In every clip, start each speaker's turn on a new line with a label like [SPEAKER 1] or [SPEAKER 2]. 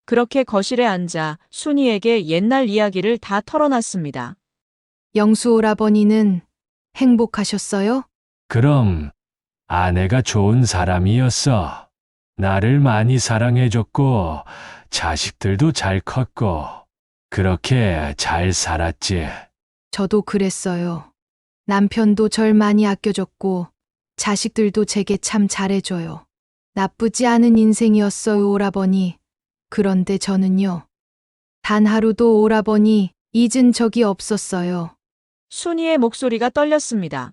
[SPEAKER 1] 그렇게 거실에 앉아 순이에게 옛날 이야기를 다 털어놨습니다.
[SPEAKER 2] 영수 오라버니는 행복하셨어요?
[SPEAKER 3] 그럼 아내가 좋은 사람이었어. 나를 많이 사랑해줬고, 자식들도 잘 컸고, 그렇게 잘 살았지.
[SPEAKER 2] 저도 그랬어요. 남편도 절 많이 아껴줬고, 자식들도 제게 참 잘해줘요. 나쁘지 않은 인생이었어요, 오라버니. 그런데 저는요. 단 하루도 오라버니 잊은 적이 없었어요.
[SPEAKER 1] 순이의 목소리가 떨렸습니다.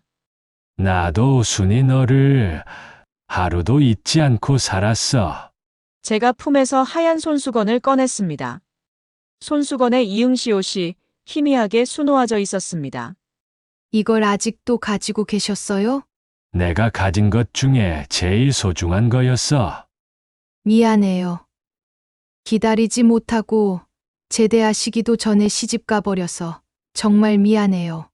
[SPEAKER 3] 나도 순이 너를 하루도 잊지 않고 살았어.
[SPEAKER 1] 제가 품에서 하얀 손수건을 꺼냈습니다. 손수건에 이응시 옷이 희미하게 수놓아져 있었습니다.
[SPEAKER 2] 이걸 아직도 가지고 계셨어요?
[SPEAKER 3] 내가 가진 것 중에 제일 소중한 거였어.
[SPEAKER 2] 미안해요. 기다리지 못하고 제대하시기도 전에 시집 가버려서 정말 미안해요.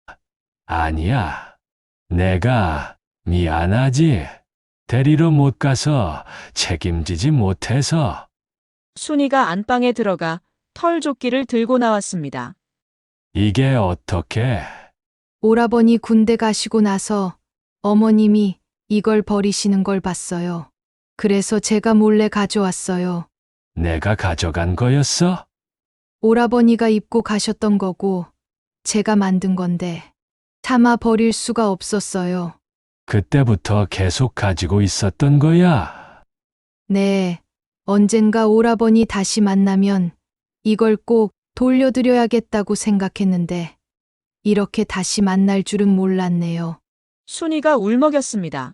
[SPEAKER 3] 아니야. 내가 미안하지. 데리러 못 가서 책임지지 못해서.
[SPEAKER 1] 순이가 안방에 들어가 털조끼를 들고 나왔습니다.
[SPEAKER 3] 이게 어떻게?
[SPEAKER 2] 오라버니 군대 가시고 나서 어머님이 이걸 버리시는 걸 봤어요. 그래서 제가 몰래 가져왔어요.
[SPEAKER 3] 내가 가져간 거였어?
[SPEAKER 2] 오라버니가 입고 가셨던 거고 제가 만든 건데 차마 버릴 수가 없었어요.
[SPEAKER 3] 그때부터 계속 가지고 있었던 거야.
[SPEAKER 2] 네, 언젠가 오라버니 다시 만나면 이걸 꼭 돌려드려야겠다고 생각했는데 이렇게 다시 만날 줄은 몰랐네요.
[SPEAKER 1] 순이가 울먹였습니다.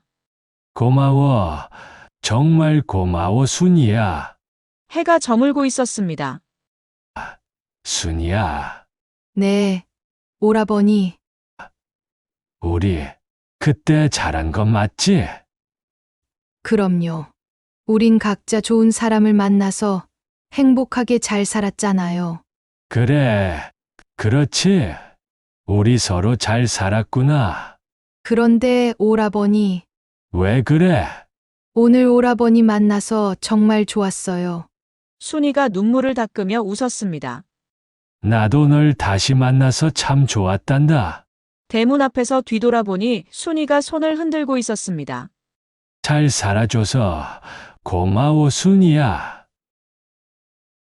[SPEAKER 3] 고마워. 정말 고마워, 순이야.
[SPEAKER 1] 해가 저물고 있었습니다.
[SPEAKER 3] 순이야.
[SPEAKER 2] 네, 오라버니,
[SPEAKER 3] 우리 그때 잘한 거 맞지?
[SPEAKER 2] 그럼요. 우린 각자 좋은 사람을 만나서 행복하게 잘 살았잖아요.
[SPEAKER 3] 그래. 그렇지. 우리 서로 잘 살았구나.
[SPEAKER 2] 그런데 오라버니,
[SPEAKER 3] 왜 그래?
[SPEAKER 2] 오늘 오라버니 만나서 정말 좋았어요.
[SPEAKER 1] 순이가 눈물을 닦으며 웃었습니다.
[SPEAKER 3] 나도 널 다시 만나서 참 좋았단다.
[SPEAKER 1] 대문 앞에서 뒤돌아보니 순이가 손을 흔들고 있었습니다.
[SPEAKER 3] 잘 살아줘서 고마워, 순이야.